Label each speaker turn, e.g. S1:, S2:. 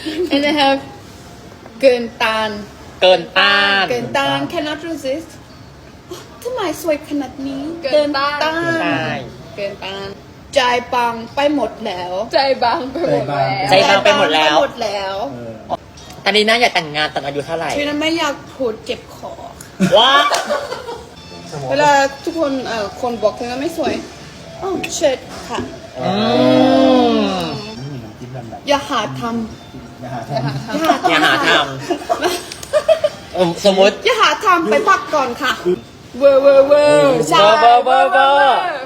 S1: and I have เกินต้าน
S2: เกินต้าน
S1: เกินต้าน cannot resist ทำไมสวยขนาดนี้
S3: เกินต้าน
S2: ใช่
S1: เกินต้านใจปังไปหมดแล้ว
S3: ใจบางไปหมดแล้ว
S2: ใจบางไปหมดแล้ว
S1: ไปหมดแล้ว
S2: ตอนนี้น่าอยากแต่งงานตอนอายุเท่าไหร่
S1: ชีวิตนั้นไม่อยากพูดเจ็บคอ
S2: ว้า
S1: เวลาทุกคนคนบอกเธอไม่สวยอ๋อเชิดค่ะ
S2: อืม
S1: อย่าหาท
S4: อย่าหา
S1: ำ
S4: ทำ
S2: อย่าหาทำสมมติ
S1: อย่าหาทำไปพักก่อนค่ะ เวอร์
S2: เบอร์